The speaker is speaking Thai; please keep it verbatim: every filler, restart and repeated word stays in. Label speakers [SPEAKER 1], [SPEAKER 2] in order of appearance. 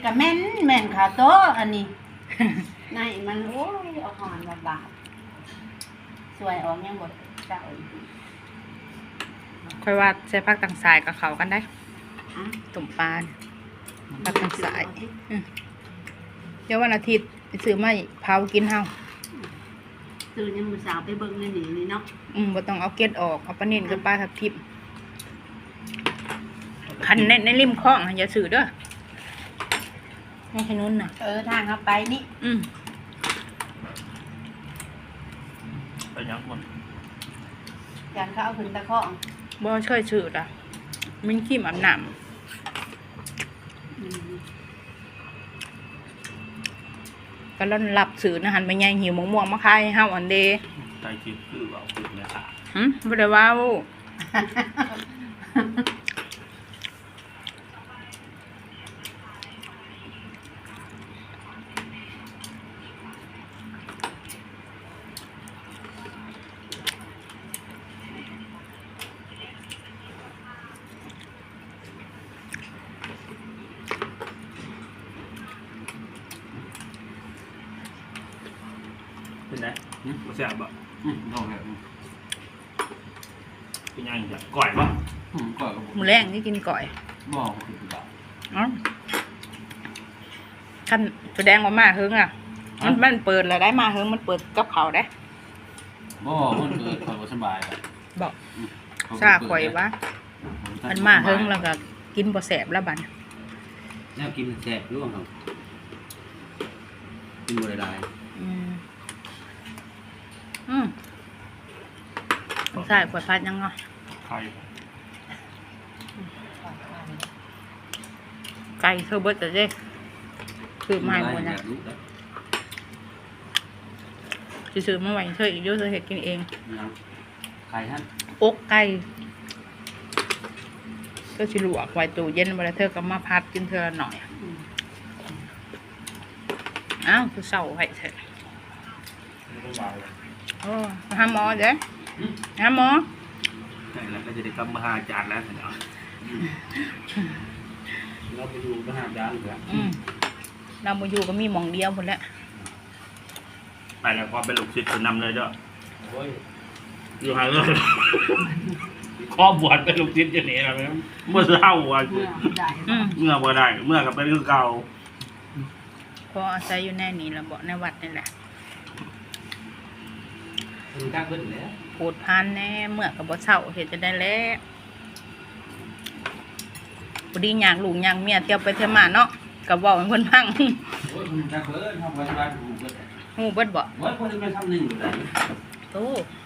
[SPEAKER 1] กับแม่นแม่นขาโต๊ะอันนี้ ในมันโอ้ยเอาหอนมาบาดสวยออกยังหมดเจ้าอีก
[SPEAKER 2] ค่อยว่าใช้ผักต่างสายกับเขากันได้
[SPEAKER 1] อ่ะ
[SPEAKER 2] ตุ่มปลาเนี่ยผักต่างสายอืมเดี๋ยววันอาทิตย์ไปซื้อมาเผากินเฮา
[SPEAKER 1] ตื่นยังมือสาวไปเบิ่งในนี่นี่เนาะ
[SPEAKER 2] อืมบ่ต้องเอาเกล็ดออกเอาปลาเน่นกับปลาทับทิมคันในในริมคลองอย่าซื้อเด้อไม่ใช่นู้นน่ะ
[SPEAKER 1] เออทางเข้าไปนี่
[SPEAKER 2] อืม
[SPEAKER 3] ไปยังหมด
[SPEAKER 1] ยันเขาเอาขึ้นตะข้อง
[SPEAKER 2] บ่เคยซื้อล่ะมันขี้มอาบน้
[SPEAKER 1] อืม
[SPEAKER 2] ำก็ร้อนหลับซื้อนะหันไปใหญ่หิวมะม่วงมาขายให้เฮาอันเด
[SPEAKER 3] ใจคิดคือว่าคือเนี่ยค่ะ
[SPEAKER 2] หึบ่ได้ว่าเว้า
[SPEAKER 3] เป็นไงมาแซ่บบ่
[SPEAKER 4] อืมต้องแบบ
[SPEAKER 3] เป็นยังไงก่อยบ่
[SPEAKER 4] อืมก็
[SPEAKER 2] หมูแรงที่กินก่อย
[SPEAKER 4] บอกคือแบบ
[SPEAKER 2] เอ้าคันแสดงว่ามาเฮิงอ่ะ มันมันเปิดแล้วได้มาเฮิงมันเปิดกับเขาวได้
[SPEAKER 4] บอกมันเกิดความสบายแบบ
[SPEAKER 2] บอกซาข่อยว่ามันมาเฮิงแล้วก็กินบ่แสบแล้วบัด
[SPEAKER 4] แล้วกินแซ่บร่วงครับกินบริได้
[SPEAKER 2] อืมอืมใช่ขวดพัดยังเนาะ
[SPEAKER 3] ไข่
[SPEAKER 2] ไก่เธอเบิดแต่เด้คือมาให้หมดนะ
[SPEAKER 4] รู้แล้ว
[SPEAKER 2] สิซื้อมาไว้เธออีกเยอะเธอเฮ็ดกินเอง
[SPEAKER 4] นะใครฮะ
[SPEAKER 2] อกไก่ก็สิลวกไว้ตู้เย็นเวลาเธอก็มาพัดกินเธอละหน่อย
[SPEAKER 1] อืม
[SPEAKER 2] อ้าวคือเศร้าให้เถอะ
[SPEAKER 3] ไม่ต้องวางเลย
[SPEAKER 2] โอ้มาหาหมอเด้หาหมอ
[SPEAKER 3] ใช่แล้วก็จะได้กลับมาหาอาจารย์แล้วเนาะ
[SPEAKER 4] เราไปดูมหาดาลเหรอ
[SPEAKER 2] อืมเรามาอยู่ก็มีหมองเดียวหมดแล้ว
[SPEAKER 3] ไปแล้วก็เป็นลูกศิษย์คนนำเลยเด้อ
[SPEAKER 4] โอ้ย
[SPEAKER 3] อยู่ห่างเลยข้อบวชเป็นลูกศิษย์จะหนีอะไรไหมเมื่อเช้าวัน
[SPEAKER 1] เมื่อได้
[SPEAKER 2] อืม
[SPEAKER 3] เมื่อบ่ได้ เมื่อกับเป็นคือเก่า
[SPEAKER 2] พออาศัยอยู่แน่นี่ละบ่ในวัดนี่แหละ
[SPEAKER 4] คุณกล้าขึ้นแล้ว
[SPEAKER 2] โผดพานแน่เมื่อกับบ่เศร้าเห็นจะได้แล้วพอดีอยากลูกอยากเมียเที่ยวไปเที่ยวมาเนาะกับบอกให้เพิ่นพัง
[SPEAKER 4] โอ้ยคุณกล้าขึ้นทำไว้สบายถูกเลย
[SPEAKER 2] ฮู้เบิดบ่
[SPEAKER 4] โอ้ยคนจะไปทำหนึ่งอยู่ไหน
[SPEAKER 2] โต